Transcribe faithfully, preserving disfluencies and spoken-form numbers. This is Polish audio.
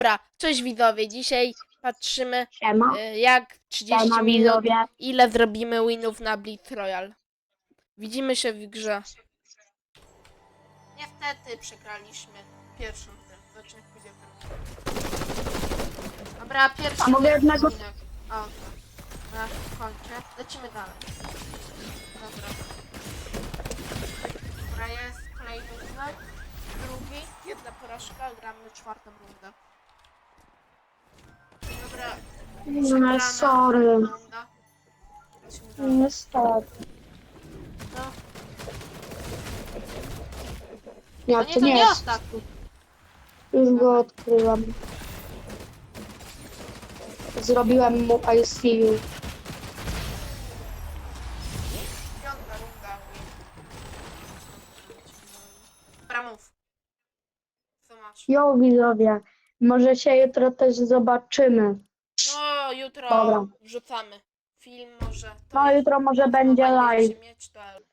Dobra, cześć widzowie, dzisiaj patrzymy Siema. y, jak trzydzieści Siema minut, widzowie. ile zrobimy winów na Blitz Royale. Widzimy się w grze. Niestety przegraliśmy pierwszą grę, zobaczymy jak pójdzie w Dobra, pierwszy A mogę jednego- odcinek. O, na kończę. Lecimy dalej. Dobra. Dobra, jest kolejny odcinek. Drugi, jedna porażka, gramy czwartą rundę. Dobra. No, Przegrana sorry. runda. Lecimy dalej. Niestety. No, Nie, to to nie, to nie nie jest. ostatni. Już go odkryłam. Zrobiłem mu I see you. Piąta runda. Dobra, mów. Co masz? Jo widzowie, może się jutro też zobaczymy. No, jutro Dobra. wrzucamy film może. To No jest jutro może będzie mowa, ile live. się mieć, to...